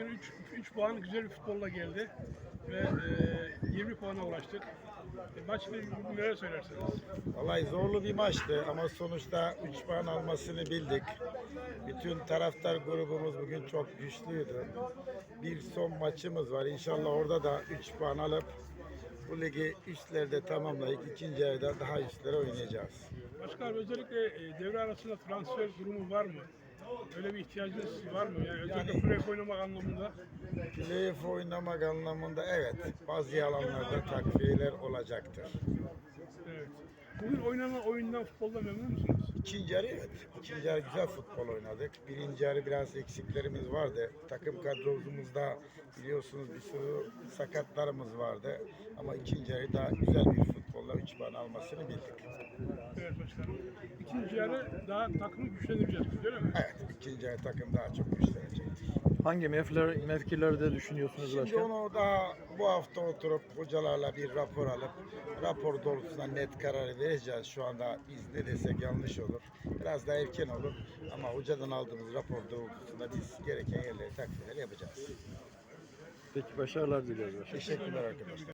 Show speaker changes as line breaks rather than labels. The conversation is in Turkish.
3 puan güzel bir futbolla geldi ve 20 puana ulaştık. Maçla ilgili neler söylersiniz?
Vallahi zorlu bir maçtı ama sonuçta 3 puan almasını bildik. Bütün taraftar grubumuz bugün çok güçlüydü. Bir son maçımız var. İnşallah orada da 3 puan alıp bu ligi üstlerde tamamlayıp ikinci yarıda daha üstlere oynayacağız.
Başkan, özellikle devre arasında transfer durumu var mı? Öyle bir ihtiyacınız var mı? Yani özellikle playoff oynamak anlamında.
Playoff oynamak anlamında evet bazı alanlarda takviyeler olacaktır.
Evet. Bugün oynanan oyundan, futbolda memnun musunuz?
İkinci yarı evet. İkinci yarı güzel futbol oynadık. Birinci yarı biraz eksiklerimiz vardı. Takım kadromuzda biliyorsunuz bir sürü sakatlarımız vardı. Ama ikinci yarı daha güzel bir futbolla 3 puan almasını bildik.
Evet başkanım. İkinci yarı daha takımı güçlendireceğiz, öyle mi?
Evet, ikinci yarı takım daha çok güçlenecektir.
Hangi mevkilerde düşünüyorsunuz
Şimdi
başkan?
onu daha bu hafta oturup hocalarla bir rapor alıp rapor doğrultusunda net kararı vereceğiz. Şu anda biz ne desek yanlış olur. Biraz daha erken olur ama hocadan aldığımız rapor doğrultusunda biz gereken yerleri takviyeler yapacağız.
Peki başarılar diliyoruz başkan.
Teşekkürler arkadaşlar.